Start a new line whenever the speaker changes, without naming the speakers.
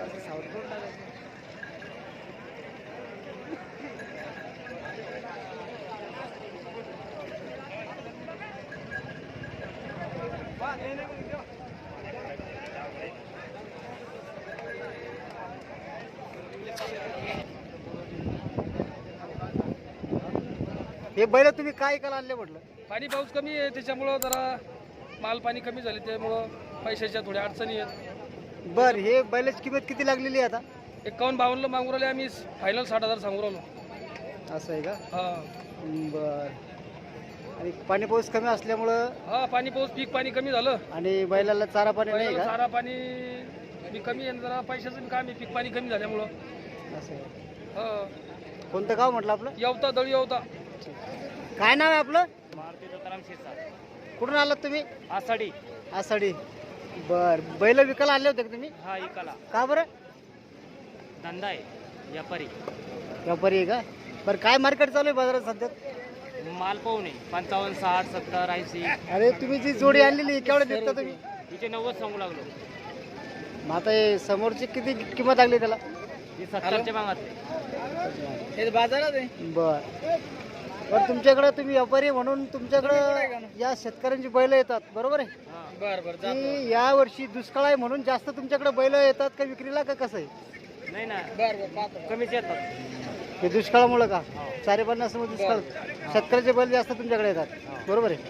हे बैल तुम्ही काय ऐकायला आणले म्हटलं?
पाणी पाऊस कमी आहे त्याच्यामुळं जरा माल पाणी कमी झाले त्यामुळं पैशाच्या थोड्या अडचणी आहेत.
बर, हे बैलाची किंमत किती लागलेली आहे आता?
51-52 मागून राहिले आम्ही, फायनल 60,000 सांगू राहिलो.
असं आहे का?
हा
बर. आणि पाणी पाऊस कमी असल्यामुळं
हा पाणी पाऊस पीक पाणी कमी झालं
आणि बैलाला चारा पाणी नाही
बैलाला
का?
चारा पाणी बी कमी आहे, जरा पैशाचं बी काम आहे, पीक पाणी कमी झाल्यामुळं.
असं आहे.
हा
कोणतं गाव म्हटलं आपलं?
येवता दळी येवता.
काय नाव आहे आपलं?
मारुती दत्ताराम शिरसाट.
कुठून आलात तुम्ही?
आषाढी.
आषाढी. बर, बैल विकायला आले होते का तुम्ही?
हा इकाला
का बरं?
धंदा आहे, व्यापारी.
व्यापारी आहे का? बरं, काय मार्केट चालू आहे बाजारात सध्या?
माल पाहू नये 55, 60, 70, 80.
अरे तुम्ही जी जोडी आणलेली केवढ्या देता तुम्ही?
तिचे 90 सांगू लागलो.
मग आता हे समोरची किती किंमत लागली त्याला?
ती 70च्या मागात हे बाजारात आहे.
बर बर, तुमच्याकडे तुम्ही व्यापारी म्हणून तुमच्याकडे या शेतकऱ्यांची बैल येतात, बरोबर आहे?
बर बर
की या वर्षी दुष्काळ आहे म्हणून जास्त तुमच्याकडे बैल येतात का विक्रीला, का कसं आहे?
नाही ना. बर बर कमीच येतात.
हे दुष्काळामुळं का? 450 मध्ये दुष्काळ, शेतकऱ्याचे बैल जास्त तुमच्याकडे येतात, बरोबर आहे?